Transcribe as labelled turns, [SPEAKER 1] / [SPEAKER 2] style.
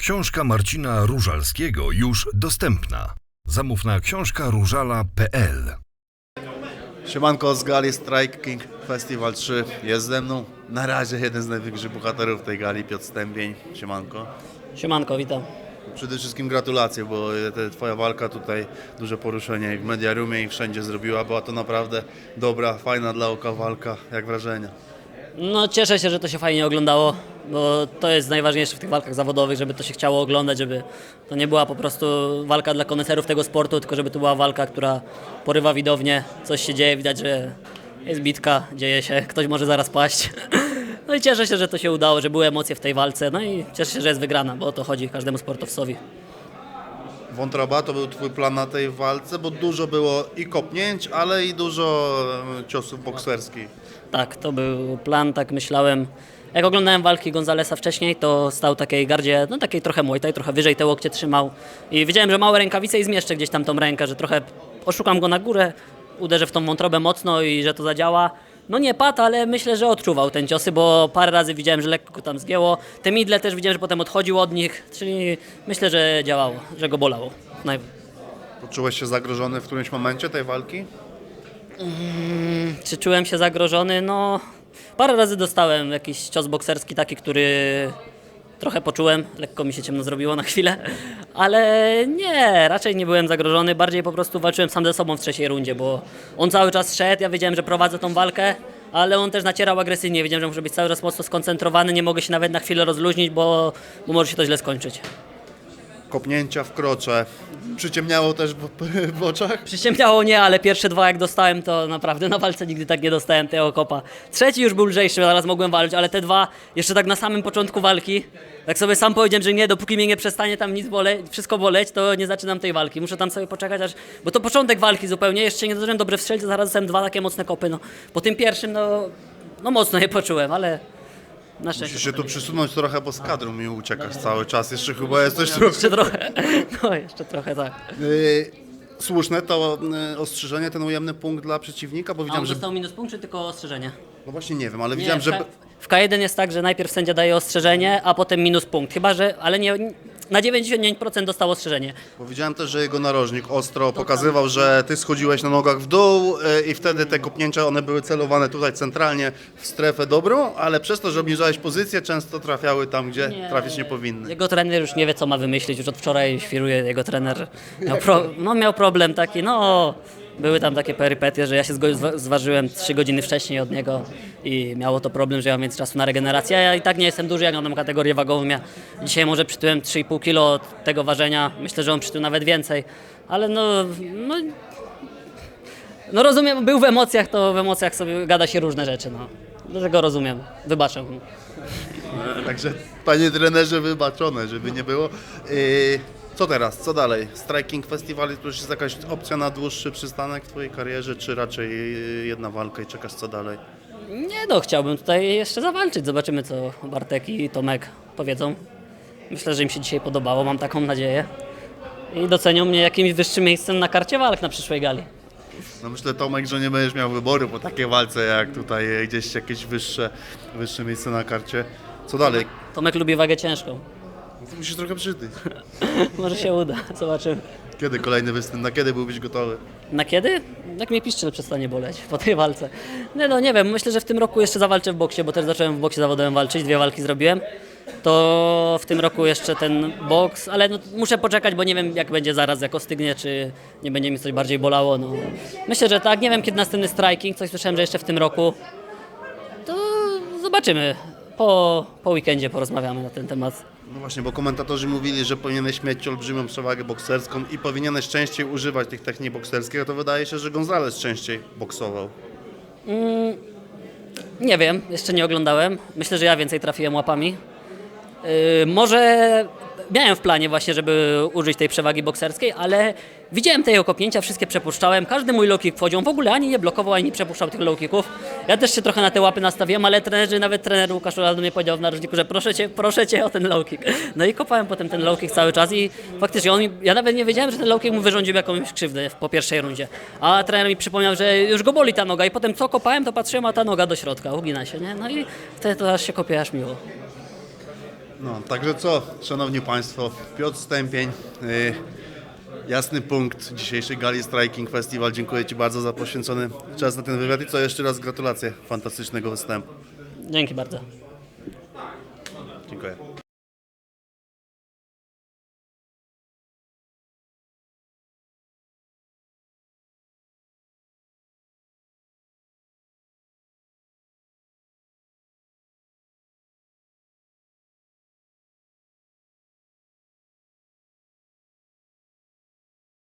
[SPEAKER 1] Książka Marcina Różalskiego już dostępna. Zamów na książkaróżala.pl.
[SPEAKER 2] Siemanko, z gali Striking Festival 3 jest ze mną na razie jeden z największych bohaterów tej gali, Piotr Stępień. Siemanko.
[SPEAKER 3] Siemanko, witam.
[SPEAKER 2] Przede wszystkim gratulacje, bo twoja walka tutaj duże poruszenie i w Mediarumie i wszędzie zrobiła. Była to naprawdę dobra, fajna dla oka walka. Jak wrażenia?
[SPEAKER 3] No cieszę się, że to się fajnie oglądało, bo to jest najważniejsze w tych walkach zawodowych, żeby to się chciało oglądać, żeby to nie była po prostu walka dla koneserów tego sportu, tylko żeby to była walka, która porywa widownię, coś się dzieje, widać, że jest bitka, dzieje się, ktoś może zaraz paść. No i cieszę się, że to się udało, że były emocje w tej walce, no i cieszę się, że jest wygrana, bo o to chodzi każdemu sportowcowi.
[SPEAKER 2] Wątroba to był twój plan na tej walce, bo dużo było i kopnięć, ale i dużo ciosów bokserskich.
[SPEAKER 3] Tak, to był plan, tak myślałem. Jak oglądałem walki Gonzalesa wcześniej, to stał takiej gardzie, no takiej trochę Muay Thai, trochę wyżej te łokcie trzymał. I wiedziałem, że małe rękawice i zmieszczę gdzieś tam tą rękę, że trochę oszukam go na górę, uderzę w tą wątrobę mocno i że to zadziała. No nie padł, ale myślę, że odczuwał ten ciosy, bo parę razy widziałem, że lekko go tam zgięło. Te midle też widziałem, że potem odchodził od nich, czyli myślę, że działało, że go bolało.
[SPEAKER 2] Poczułeś się zagrożony w którymś momencie tej walki?
[SPEAKER 3] Czy czułem się zagrożony? No, parę razy dostałem jakiś cios bokserski taki, który trochę poczułem, lekko mi się ciemno zrobiło na chwilę, ale nie, raczej nie byłem zagrożony, bardziej po prostu walczyłem sam ze sobą w trzeciej rundzie, bo on cały czas szedł, ja wiedziałem, że prowadzę tą walkę, ale on też nacierał agresywnie, wiedziałem, że muszę być cały czas mocno skoncentrowany, nie mogę się nawet na chwilę rozluźnić, bo może się to źle skończyć.
[SPEAKER 2] Kopnięcia w krocze. Przyciemniało też w oczach?
[SPEAKER 3] Przyciemniało nie, ale pierwsze dwa jak dostałem, to naprawdę na walce nigdy tak nie dostałem tego kopa. Trzeci już był lżejszy, zaraz mogłem walczyć, ale te dwa jeszcze tak na samym początku walki, tak sobie sam powiedziałem, że nie, dopóki mnie nie przestanie tam nic boleć, wszystko boleć, to nie zaczynam tej walki. Muszę tam sobie poczekać, bo to początek walki zupełnie, jeszcze nie zdążyłem dobrze wstrzelić, to zaraz dostałem dwa takie mocne kopy. No. Po tym pierwszym, no mocno je poczułem, ale na szczęście.
[SPEAKER 2] Musisz się tu przysunąć trochę, bo z kadru mi uciekasz cały czas. Jeszcze chyba jesteś trochę...
[SPEAKER 3] Jeszcze trochę, no jeszcze trochę tak.
[SPEAKER 2] Słuszne to ostrzeżenie, ten ujemny punkt dla przeciwnika, bo
[SPEAKER 3] A
[SPEAKER 2] widziałem,
[SPEAKER 3] on
[SPEAKER 2] że...
[SPEAKER 3] dostał minus punkt, czy tylko ostrzeżenie?
[SPEAKER 2] No właśnie nie wiem, ale
[SPEAKER 3] Nie,
[SPEAKER 2] widziałem, że...
[SPEAKER 3] w K1 jest tak, że najpierw sędzia daje ostrzeżenie, a potem minus punkt. Chyba, że, ale nie, na 99% dostał ostrzeżenie.
[SPEAKER 2] Bo widziałem też, że jego narożnik ostro pokazywał, że ty schodziłeś na nogach w dół i wtedy te kopnięcia, one były celowane tutaj centralnie w strefę dobrą, ale przez to, że obniżałeś pozycję, często trafiały tam, gdzie trafić nie powinny.
[SPEAKER 3] Jego trener już nie wie, co ma wymyślić. Już od wczoraj świruje jego trener. Miał problem taki, były tam takie perypetie, że ja się zważyłem 3 godziny wcześniej od niego i miało to problem, że ja mam więcej czasu na regenerację. Ja i tak nie jestem duży, jak mam kategorię wagową. Ja dzisiaj może przytyłem 3,5 kg od tego ważenia. Myślę, że on przytył nawet więcej, ale no rozumiem, był w emocjach, to w emocjach sobie gada się różne rzeczy. Dlatego rozumiem, wybaczę.
[SPEAKER 2] Także panie trenerze, wybaczone, żeby nie było. Co teraz? Co dalej? Striking Festival to już jest jakaś opcja na dłuższy przystanek w twojej karierze, czy raczej jedna walka i czekasz co dalej?
[SPEAKER 3] Nie chciałbym tutaj jeszcze zawalczyć. Zobaczymy, co Bartek i Tomek powiedzą. Myślę, że im się dzisiaj podobało, mam taką nadzieję. I docenią mnie jakimś wyższym miejscem na karcie walk na przyszłej gali.
[SPEAKER 2] No myślę, Tomek, że nie będziesz miał wyboru po takiej walce, jak tutaj gdzieś jakieś wyższe miejsce na karcie. Co dalej?
[SPEAKER 3] Tomek lubi wagę ciężką.
[SPEAKER 2] No to musisz trochę przytyć.
[SPEAKER 3] Może się uda, zobaczymy.
[SPEAKER 2] Kiedy kolejny występ? Na kiedy byłbyś gotowy?
[SPEAKER 3] Na kiedy? Jak mnie piszczel przestanie boleć po tej walce. Nie wiem, myślę, że w tym roku jeszcze zawalczę w boksie, bo też zacząłem w boksie zawodowym walczyć, 2 walki zrobiłem. To w tym roku jeszcze ten boks, ale muszę poczekać, bo nie wiem jak będzie zaraz, jak ostygnie, czy nie będzie mi coś bardziej bolało. Myślę, że tak, nie wiem kiedy następny striking, coś słyszałem, że jeszcze w tym roku. To zobaczymy, po weekendzie porozmawiamy na ten temat.
[SPEAKER 2] No właśnie, bo komentatorzy mówili, że powinieneś mieć olbrzymią przewagę bokserską i powinieneś częściej używać tych technik bokserskich, a to wydaje się, że Gonzales częściej boksował.
[SPEAKER 3] Nie wiem, jeszcze nie oglądałem. Myślę, że ja więcej trafiłem łapami. Może miałem w planie właśnie, żeby użyć tej przewagi bokserskiej, ale widziałem te jego kopnięcia, wszystkie przepuszczałem. Każdy mój low kick wchodził, on w ogóle ani nie blokował, ani nie przepuszczał tych low kicków. Ja też się trochę na te łapy nastawiłem, ale nawet trener Łukasz Rolando mnie powiedział w narożniku, że proszę cię o ten low kick. No i kopałem potem ten low kick cały czas i faktycznie ja nawet nie wiedziałem, że ten low kick mu wyrządził jakąś krzywdę po pierwszej rundzie. A trener mi przypomniał, że już go boli ta noga i potem co kopałem, to patrzyłem, a ta noga do środka, ugina się, nie? No i wtedy to aż się kopie, aż miło.
[SPEAKER 2] No, także co, szanowni państwo, Piotr Stępień, jasny punkt dzisiejszej gali Striking Festival. Dziękuję ci bardzo za poświęcony czas na ten wywiad i co, jeszcze raz gratulacje fantastycznego występu.
[SPEAKER 3] Dzięki bardzo.